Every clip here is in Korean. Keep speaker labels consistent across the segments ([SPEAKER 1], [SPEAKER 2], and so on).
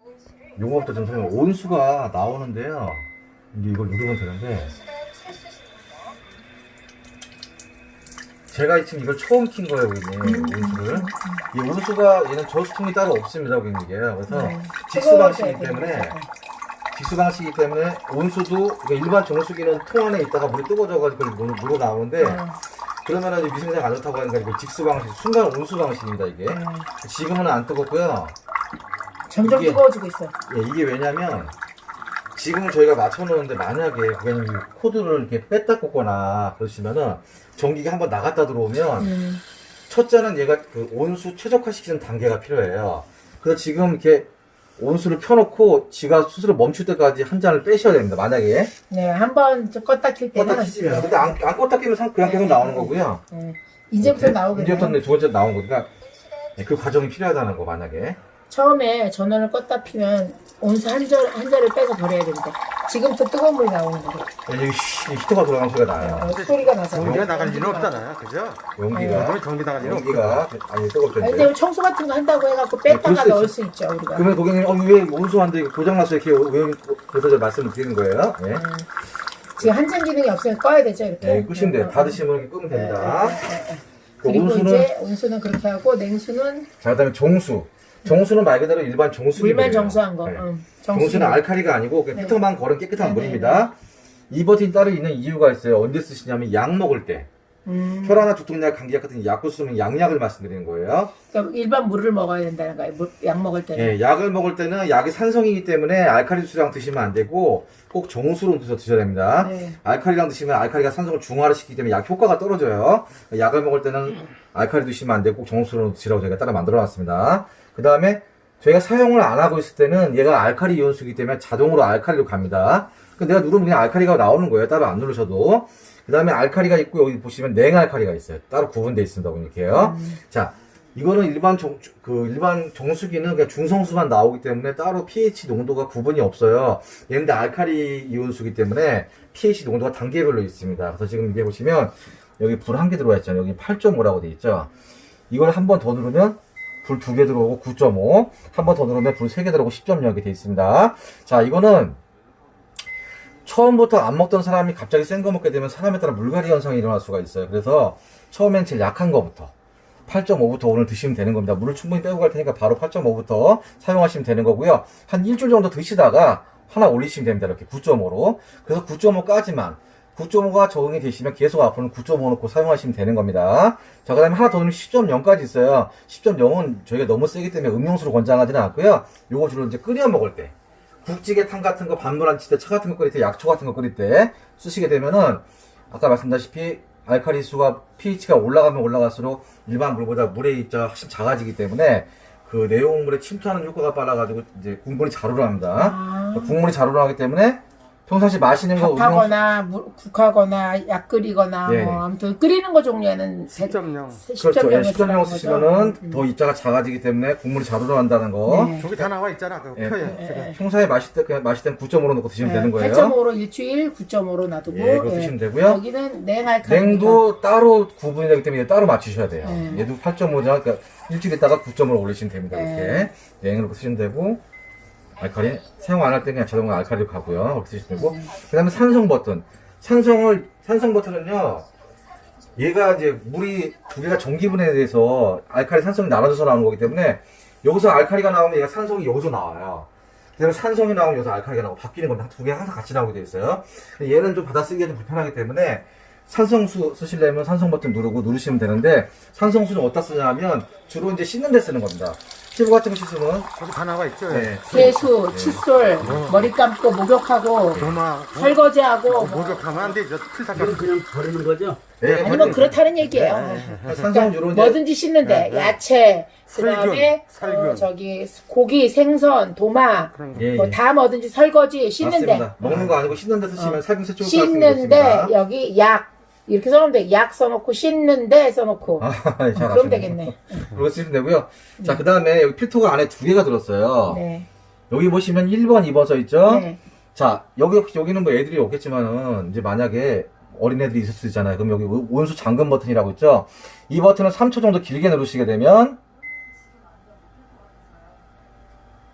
[SPEAKER 1] 요거부터 좀 설명. 온수가 나오는데요. 이제 이걸 누르면 되는데 제가 지금 이걸 처음 킨 거예요, 고객님. 온수를. 이 온수가 얘는 저수통이 따로 없습니다, 고객님. 이게. 그래서 직수 방식이기 때문에 온수도 그러니까 일반 정수기는 통 안에 있다가 물이 뜨거워져가지고 물어 나오는데 그러면은 위생상 안 좋다고 하니까 이거 직수 방식, 순간 온수 방식입니다, 이게. 지금은 안 뜨겁고요.
[SPEAKER 2] 점점
[SPEAKER 1] 이게,
[SPEAKER 2] 뜨거워지고 있어.
[SPEAKER 1] 예, 이게 왜냐면 지금은 저희가 맞춰놓는데 만약에 고객님이 코드를 이렇게 뺐다 꽂거나 그러시면은 전기가 한번 나갔다 들어오면 첫째는 얘가 그 온수 최적화시키는 단계가 필요해요. 그래서 지금 이렇게 온수를 펴놓고 지가 스스로 멈출 때까지 한 잔을 빼셔야 됩니다. 만약에
[SPEAKER 2] 네, 한번 껐다 킬 때는.
[SPEAKER 1] 껐다 키시면. 근데 안 껐다 끼면 그냥 계속 나오는 거고요.
[SPEAKER 2] 이제부터 나오겠네.
[SPEAKER 1] 이제부터는 두 번째 나온 거니까 그 과정이 필요하다는 거 만약에.
[SPEAKER 2] 처음에 전원을 껐다 피면 온수 한 절을 빼서 버려야 된대. 지금부터 뜨거운 물이 나오는 거고.
[SPEAKER 1] 여기 히터가 돌아가는 소리가 나요.
[SPEAKER 2] 소리가 나서.
[SPEAKER 3] 전기가 나갈 일은 없잖아요, 그죠?
[SPEAKER 1] 용기가.
[SPEAKER 3] 그러면 전기 나갈 일은
[SPEAKER 1] 용기가 아니 뜨겁죠.
[SPEAKER 2] 아니,
[SPEAKER 1] 이제.
[SPEAKER 2] 근데 청소 같은 거 한다고 해갖고 뺐다가
[SPEAKER 1] 그럴 수
[SPEAKER 2] 넣을
[SPEAKER 1] 있죠.
[SPEAKER 2] 수 있죠, 우리가.
[SPEAKER 1] 그러면 고객님 왜 온수한데 고장났어요? 이렇게 왜 그래서 제가 말씀을 드리는 거예요. 예.
[SPEAKER 2] 지금 한전 기능이 없으면 꺼야 되죠, 이렇게.
[SPEAKER 1] 네, 끄시면 돼요. 닫으시면 이렇게 끄면 됩니다. 그
[SPEAKER 2] 그리고
[SPEAKER 1] 온수는
[SPEAKER 2] 이제 온수는 그렇게 하고 냉수는
[SPEAKER 1] 자, 그다음에 정수. 정수는 말 그대로 일반 정수기예요.
[SPEAKER 2] 물만 정수한 거.
[SPEAKER 1] 네.
[SPEAKER 2] 정수.
[SPEAKER 1] 정수는 알칼리가 아니고 그냥
[SPEAKER 2] 네.
[SPEAKER 1] 피터만 걸은 깨끗한
[SPEAKER 2] 네,
[SPEAKER 1] 물입니다. 이 버튼이 따로 있는 이유가 있어요. 언제 쓰시냐면 약 먹을 때. 혈압이나 두통약, 감기약 같은 약을 쓰면 양약을 말씀드리는 거예요.
[SPEAKER 2] 그러니까 일반 물을 먹어야 된다는 거예요. 약 먹을 때는.
[SPEAKER 1] 예, 약을 먹을 때는 약이 산성이기 때문에 알칼리 수랑 드시면 안 되고 꼭 정수로 드셔야 됩니다.
[SPEAKER 2] 네.
[SPEAKER 1] 알칼리랑 드시면 알칼리가 산성을 중화를 시키기 때문에 약 효과가 떨어져요. 약을 먹을 때는 알칼리 드시면 안 되고 꼭 정수로 드시라고 저희가 따라 만들어 놨습니다. 그 다음에 저희가 사용을 안 하고 있을 때는 얘가 알칼리 이온수이기 때문에 자동으로 알칼리로 갑니다. 내가 누르면 그냥 알칼리가 나오는 거예요. 따로 안 누르셔도. 그 다음에 알칼리가 있고 여기 보시면 냉알칼리가 있어요. 따로 구분되어 있습니다. 이렇게요. 자, 이거는 일반 정수기는 그냥 중성수만 나오기 때문에 따로 pH 농도가 구분이 없어요. 얘는데 알칼리 이온수기 때문에 pH 농도가 단계별로 있습니다. 그래서 지금 이게 보시면 여기 불 한 개 들어와 있잖아요. 여기 8.5라고 되어 있죠. 이걸 한 번 더 누르면 불 2개 들어오고 9.5, 한 번 더 누르면 불 3개 들어오고 10.0 이렇게 되어 있습니다. 자, 이거는 처음부터 안 먹던 사람이 갑자기 센 거 먹게 되면 사람에 따라 물갈이 현상이 일어날 수가 있어요. 그래서 처음엔 제일 약한 거부터 8.5부터 오늘 드시면 되는 겁니다. 물을 충분히 빼고 갈 테니까 바로 8.5부터 사용하시면 되는 거고요. 한 일주일 정도 드시다가 하나 올리시면 됩니다. 이렇게 9.5로. 그래서 9.5까지만 9.5가 적응이 되시면 계속 앞으로는 9.5 놓고 사용하시면 되는 겁니다. 자, 그 다음에 하나 더 넣으면 10.0까지 있어요. 10.0은 저희가 너무 세기 때문에 음용수로 권장하지는 않고요. 요거 주로 이제 끓여 먹을 때, 국찌개탕 같은 거 반물 안 칠 때, 차 같은 거 끓일 때, 약초 같은 거 끓일 때 쓰시게 되면은 아까 말씀드렸다시피 알칼리 수가 pH가 올라가면 올라갈수록 일반 물보다 물의 입자가 훨씬 작아지기 때문에 그 내용물에 침투하는 효과가 빨라가지고 이제 국물이 잘 우러납니다. 국물이 잘 우러나기 때문에 평상시 마시는 거
[SPEAKER 2] 밥하거나 국하거나 약 끓이거나
[SPEAKER 1] 네.
[SPEAKER 2] 뭐 아무튼 끓이는 거 종류에는
[SPEAKER 3] 10.0.
[SPEAKER 1] 그렇죠. 예, 10.0 쓰시면은 더 입자가 작아지기 때문에 국물이 잘 우러난다는 거.
[SPEAKER 2] 네.
[SPEAKER 3] 저기 다 나와 있잖아, 그
[SPEAKER 1] 예.
[SPEAKER 3] 표에. 제가.
[SPEAKER 1] 평소에 마실 때 그냥 마실 때는 9.5로 넣고 드시면 되는 거예요.
[SPEAKER 2] 8.5로 일주일, 9.5로 놔두고
[SPEAKER 1] 예, 그거 드시면 되고요.
[SPEAKER 2] 여기는 냉알칼리.
[SPEAKER 1] 냉도 따로 구분이 되기 때문에 따로 맞추셔야 돼요.
[SPEAKER 2] 네.
[SPEAKER 1] 얘도 8.5죠. 그러니까 일주일 있다가 9.5로 올리시면 됩니다.
[SPEAKER 2] 네.
[SPEAKER 1] 이렇게 냉으로 쓰시면 되고 알칼리 사용 안 할 때 그냥 자동으로 알칼리로 가고요. 그렇게 쓰시면 되고 그다음에 산성 버튼. 산성 버튼은요. 얘가 이제 물이 두 개가 전기분해에 대해서 알칼리 산성이 나눠져서 나오는 거기 때문에 여기서 알칼리가 나오면 얘가 산성이 여기서 나와요. 그다음에 산성이 나오면 여기서 알칼리가 나오고 바뀌는 겁니다. 두 개가 항상 같이 나오게 돼 있어요. 얘는 좀 받아쓰기가 좀 불편하기 때문에 산성수 쓰시려면 산성 버튼 누르시면 되는데 산성수는 어디다 쓰냐면 주로 이제 씻는 데 쓰는 겁니다. 피부 같은 거 씻으면
[SPEAKER 3] 저기 다 나와 있죠.
[SPEAKER 1] 네.
[SPEAKER 2] 세수, 칫솔, 머리 감고 목욕하고
[SPEAKER 3] 도마.
[SPEAKER 2] 설거지하고
[SPEAKER 3] 목욕하면 안 되죠. 필터
[SPEAKER 4] 이건 그냥 버리는 거죠?
[SPEAKER 1] 네,
[SPEAKER 2] 아니면 그렇다는 얘기예요.
[SPEAKER 1] 산성 주로 이제
[SPEAKER 2] 뭐든지 씻는데 야채, 그다음에
[SPEAKER 3] 살균.
[SPEAKER 2] 저기 고기, 생선, 도마
[SPEAKER 1] 예,
[SPEAKER 2] 뭐
[SPEAKER 1] 예.
[SPEAKER 2] 다 뭐든지 설거지 씻는데
[SPEAKER 1] 맞습니다. 먹는 거 아니고 씻는 데 쓰시면 살균 세척
[SPEAKER 2] 씻는데 여기 약 이렇게 써놓으면 돼. 약 써놓고 씻는데 써놓고 그럼 되겠네.
[SPEAKER 1] 그렇게 쓰시면 되고요. 자, 그 다음에 여기 필터가 안에 두 개가 들었어요.
[SPEAKER 2] 네.
[SPEAKER 1] 여기 보시면 1번, 2번 써 있죠?
[SPEAKER 2] 네.
[SPEAKER 1] 자, 여기는 뭐 애들이 없겠지만은, 이제 만약에 어린애들이 있을 수 있잖아요. 그럼 여기 온수 잠금 버튼이라고 있죠? 이 버튼을 3초 정도 길게 누르시게 되면,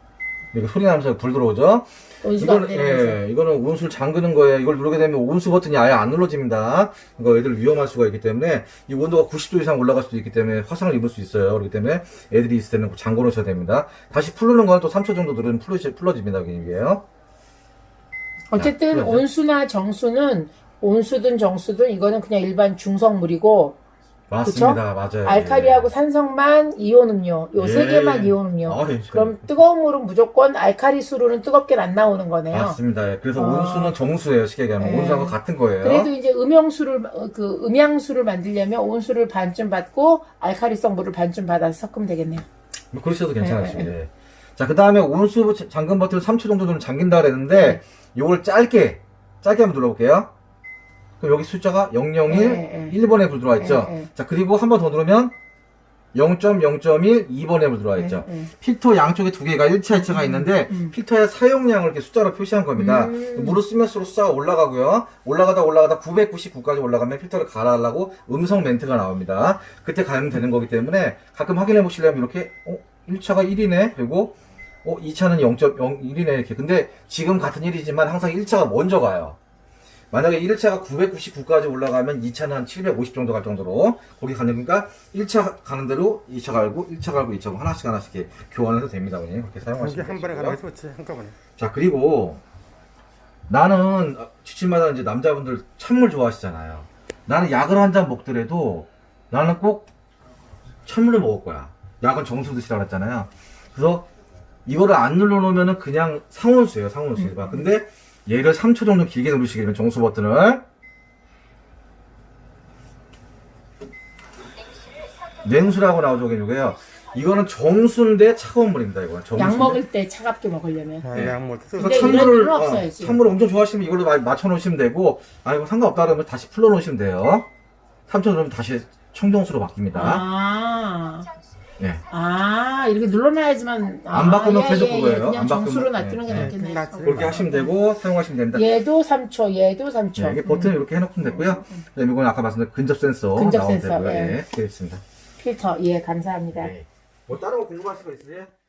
[SPEAKER 1] 이거 소리 나면서 불 들어오죠?
[SPEAKER 2] 온수가 안
[SPEAKER 1] 이거는,
[SPEAKER 2] 되면서.
[SPEAKER 1] 예, 이거는 온수를 잠그는 거예요. 이걸 누르게 되면 온수 버튼이 아예 안 눌러집니다. 이거 애들 위험할 수가 있기 때문에 이 온도가 90도 이상 올라갈 수도 있기 때문에 화상을 입을 수 있어요. 그렇기 때문에 애들이 있을 때는 잠궈 놓으셔야 됩니다. 다시 풀르는 건 또 3초 정도 누르면 풀러집니다. 이게요.
[SPEAKER 2] 어쨌든
[SPEAKER 1] 자,
[SPEAKER 2] 온수나 정수는 온수든 정수든 이거는 그냥 일반 중성물이고
[SPEAKER 1] 맞습니다. 맞아요.
[SPEAKER 2] 알칼리하고 산성만 이온 음료 요 세
[SPEAKER 1] 예.
[SPEAKER 2] 개만 이온 음료.
[SPEAKER 1] 아, 예.
[SPEAKER 2] 그럼 뜨거운 물은 무조건 알칼리 수로는 뜨겁게 안 나오는 거네요.
[SPEAKER 1] 맞습니다. 예. 그래서
[SPEAKER 2] 어.
[SPEAKER 1] 온수는 정수예요. 쉽게 얘기하면
[SPEAKER 2] 예.
[SPEAKER 1] 온수하고 같은 거예요.
[SPEAKER 2] 그래도 이제 음양수를 만들려면 온수를 반쯤 받고 알칼리성 물을 반쯤 받아서 섞으면 되겠네요.
[SPEAKER 1] 뭐 그러셔도 괜찮으십니다. 예. 자, 그 다음에 온수 잠금 버튼을 3초 정도 좀 잠긴다 그랬는데 요걸 짧게 한번 눌러볼게요. 그럼 여기 숫자가 001,
[SPEAKER 2] 예, 예.
[SPEAKER 1] 1번에 불 들어와 있죠.
[SPEAKER 2] 예, 예.
[SPEAKER 1] 자, 그리고 한 번 더 누르면 0.0.1, 2번에 불 들어와 있죠.
[SPEAKER 2] 예, 예.
[SPEAKER 1] 필터 양쪽에 두 개가 1차, 2차가 있는데 필터의 사용량을 이렇게 숫자로 표시한 겁니다. 물을 쓰면서 숫자가 올라가고요. 올라가다 999까지 올라가면 필터를 갈아하려고 음성 멘트가 나옵니다. 그때 가면 되는 거기 때문에 가끔 확인해 보시려면 이렇게 1차가 1이네. 그리고 2차는 0.01이네. 이렇게. 근데 지금 같은 1이지만 항상 1차가 먼저 가요. 만약에 1차가 999까지 올라가면 2차는 한 750 정도 갈 정도로 거기 가는 거니까 1차 가는 대로 2차 갈고 1차 갈고 2차 갈고 하나씩 이렇게 교환해도 됩니다. 그냥 그렇게
[SPEAKER 3] 이게
[SPEAKER 1] 사용하시면
[SPEAKER 3] 한 번에
[SPEAKER 1] 되시고요.
[SPEAKER 3] 가는 게 좋지 한꺼번에.
[SPEAKER 1] 자, 그리고 나는 주침마다 이제 남자분들 찬물 좋아하시잖아요. 나는 약을 한 잔 먹더라도 나는 꼭 찬물을 먹을 거야. 약은 정수 드시라고 그랬잖아요. 그래서 이거를 안 눌러놓으면은 그냥 상온수예요. 상온수. 근데 얘를 3초 정도 길게 누르시게 되면 정수 버튼을 냉수라고 나오죠. 이거요. 이거는 정수인데 차가운 물입니다. 이거는 정수인데.
[SPEAKER 2] 약 먹을 때 차갑게 먹으려면.
[SPEAKER 3] 아,
[SPEAKER 1] 예.
[SPEAKER 3] 약 먹을 때
[SPEAKER 1] 그래서
[SPEAKER 2] 근데 이런
[SPEAKER 1] 찬물을
[SPEAKER 2] 일은 없어야지.
[SPEAKER 1] 찬물을 엄청 좋아하시면 이걸로 맞춰 놓으시면 되고 이거 상관없다 그러면 다시 풀러 놓으시면 돼요. 3초 누르면 다시 청정수로 바뀝니다. 예.
[SPEAKER 2] 이렇게 눌러놔야지만.
[SPEAKER 1] 안 바꾸면 계속 그거예요.
[SPEAKER 2] 그냥
[SPEAKER 1] 안
[SPEAKER 2] 정수로
[SPEAKER 1] 바꾸면,
[SPEAKER 2] 놔두는 게
[SPEAKER 1] 예, 예.
[SPEAKER 2] 낫겠네.
[SPEAKER 3] 낫지.
[SPEAKER 1] 그렇게 하시면 되고 사용하시면 됩니다.
[SPEAKER 2] 얘도 3초, 얘도 3초.
[SPEAKER 1] 네, 이게 버튼 이렇게 해놓으면 되고요. 그다음에 이건 아까 말씀드린 근접 센서
[SPEAKER 2] 근접
[SPEAKER 1] 나오면
[SPEAKER 2] 센서,
[SPEAKER 1] 되고요.
[SPEAKER 2] 예.
[SPEAKER 1] 예, 되어 있습니다.
[SPEAKER 2] 필터, 예, 감사합니다.
[SPEAKER 1] 네. 뭐 다른 거 궁금하신 거 있으세요?